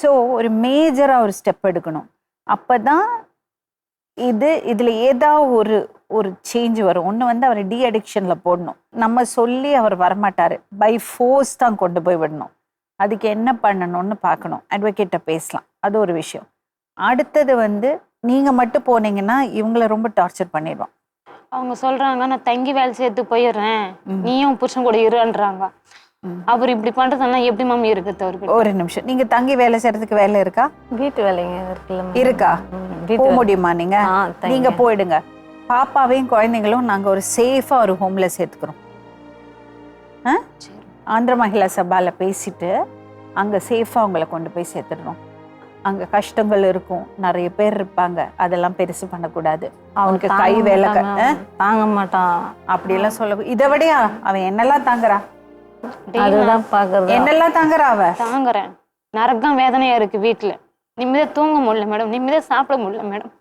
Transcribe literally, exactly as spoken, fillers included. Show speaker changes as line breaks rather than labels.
So ஒரு மேஜராக ஒரு ஸ்டெப் எடுக்கணும். அப்போ தான் இது இதில் ஏதாவது ஒரு ஒரு சேஞ்ச் வரும். ஒன்று வந்து அவரை டி அடிக்ஷனில் போடணும். நம்ம சொல்லி அவர் வரமாட்டார், பை ஃபோர்ஸ் தான் கொண்டு போய் விடணும். அதுக்கு என்ன பண்ணணும்னு பார்க்கணும். அட்வொகேட்டை பேசலாம், அது ஒரு விஷயம். அடுத்தது வந்து நீங்கள் மட்டும் போனீங்கன்னா இவங்கள ரொம்ப டார்ச்சர் பண்ணிடுவோம்.
அவங்க சொல்றாங்க நான் தங்கி வேலை சேர்த்து போயிடுறேன், நீயும் புருஷன் கூட இருன்றாங்க. அவர் இப்படி பண்றதுன்னா எப்படி மாமி இருக்குது அவருக்கு?
ஒரு நிமிஷம், நீங்கள் தங்கி வேலை செய்கிறதுக்கு வேலை இருக்கா?
வீட்டு வேலைங்க இருக்குல்ல.
இருக்கா? போக முடியுமா நீங்க? நீங்க போயிடுங்க. பாப்பாவையும் குழந்தைங்களும் நாங்க ஒரு சேஃபா ஒரு ஹோம்ல சேர்த்துக்கிறோம். ஆந்திர மகிழா சபால பேசிட்டு அங்க சேஃபா உங்களை கொண்டு போய் சேர்த்துடுறோம். அங்க கஷ்டங்கள் இருக்கும், நிறைய பேர் இருப்பாங்க, அதெல்லாம் பெருசு பண்ணக்கூடாது. அவனுக்கு கை வேலை
தாங்க மாட்டான்
அப்படியெல்லாம் சொல்ல. இதை விடையா அவன் என்னெல்லாம் தாங்குறா?
அதுதான் பாக்குறது.
என்னெல்லாம் தாங்குறா அவ?
தாங்குறேன். நரகம் வேதனையா இருக்கு வீட்டுல. நிம்மதியா தூங்க முடியல மேடம், நிம்மதியா சாப்பிட முடியல மேடம்.